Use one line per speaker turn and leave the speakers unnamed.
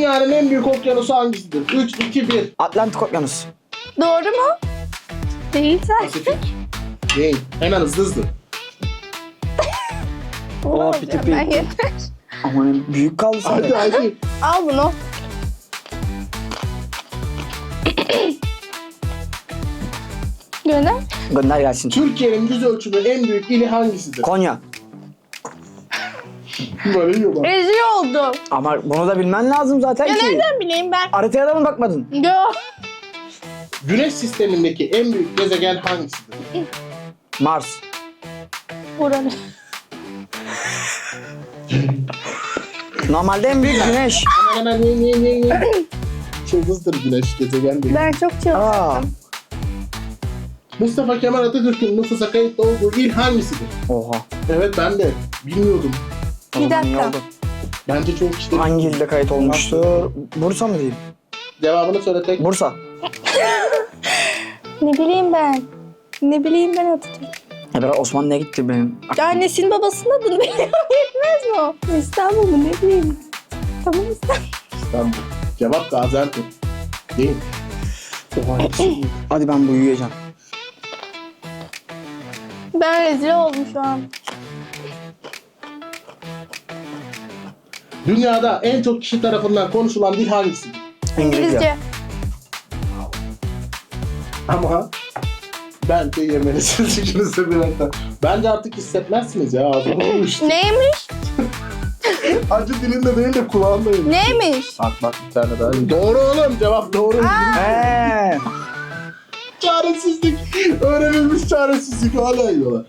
Dünyanın en büyük okyanusu hangisidir? 3, 2, 1.
Atlantik Okyanus.
Doğru mu? Değilse.
Pasifik. Değil. Hemen hızlı.
Oo,
Olacak,
piti
ben
piti.
yeter.
Aman büyük kaldı
Hadi
sana.
hadi.
Al bunu. Gönder.
Gönder gelsin.
Türkiye'nin yüz ölçümü en büyük ili hangisidir?
Konya.
Böyle yiyorlar.
Rezil oldum.
Ama bunu da bilmen lazım zaten
Ya
ki.
nereden bileyim ben?
Haritaya da mı bakmadın?
Yok.
Güneş sistemindeki en büyük gezegen hangisidir?
Mars.
Buranı.
Normalde en büyük güneş.
Hemen ye. Çıldızdır güneş, gezegen değil.
Ben çok
Aa,
çalıştım.
Mustafa Kemal Atatürk'ün nüfusa kayıtlı olduğu il hangisidir?
oha.
Evet ben de bilmiyordum.
O
Bir
zaman iyi
dakika.
oldu.
Bence çok kişi de
Hangi ilde kayıt olmuştur? Bursa mı diyeyim?
Cevabını söyle tek.
Bursa.
Ne bileyim ben. Ne bileyim ben Atatürk.
Ya biraz Osmanlı'ya gitti benim.
Annesinin babasının adını biliyorum. Yetmez mi o? İstanbul mu ne bileyim. Tamam İstanbul.
İstanbul. Cevap Gaziantep. Değil.
Hadi ben bu uyuyacağım.
Ben rezil oldum şu an.
Dünyada en çok kişi tarafından konuşulan dil hangisidir?
İngilizce.
Ama bence yemelisiniz ikiniz de birer tane. Bence artık hissetmezsiniz ya ağzını uyuştu.
Neymiş?
Acı dilinde değil de kulağında yemiş.
Neymiş?
Bak bir tane daha. Doğru oğlum, cevap doğru.
Eee.
Çaresizlik. Öğrenilmiş çaresizlik hala yiyorlar.